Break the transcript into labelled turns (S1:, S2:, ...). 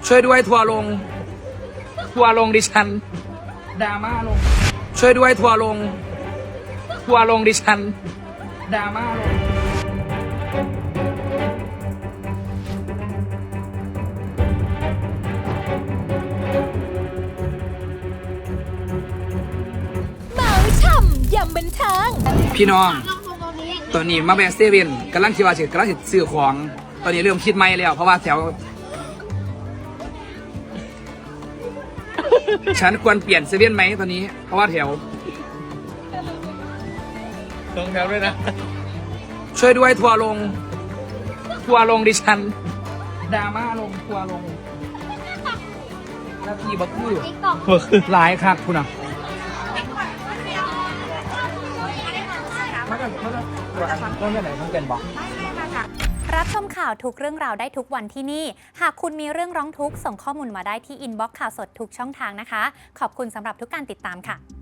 S1: ช่วยด้วยทัวร์ลงดิฉันดราม่าลงช่วยด้วยทัวร์ลงดิฉันดราม่าลง
S2: เมาช่ำยำบันเทิง
S1: พี่น้องตอนนี้มาแบกเซเว่นกำลังคิดว่ากำลังซื้อของตอนนี้เริ่มคิดไม่แล้วเพราะว่าแถวฉันควรเปลี่ยนเซเว่นไหมตอนนี้เพราะว่าแถว
S3: ต้องแถวด้วยนะ
S1: ช่วยด้วยทัวร์ลงดิฉันดราม่าลงทัวร์ลงนาทีบักคือหลายครับคุณอ่ะต้องไหนต้องเป็นบอก
S2: รับชมข่าวทุกเรื่องราวได้ทุกวันที่นี่หากคุณมีเรื่องร้องทุกข์ส่งข้อมูลมาได้ที่อินบ็อกซ์ข่าวสดทุกช่องทางนะคะขอบคุณสำหรับทุกการติดตามค่ะ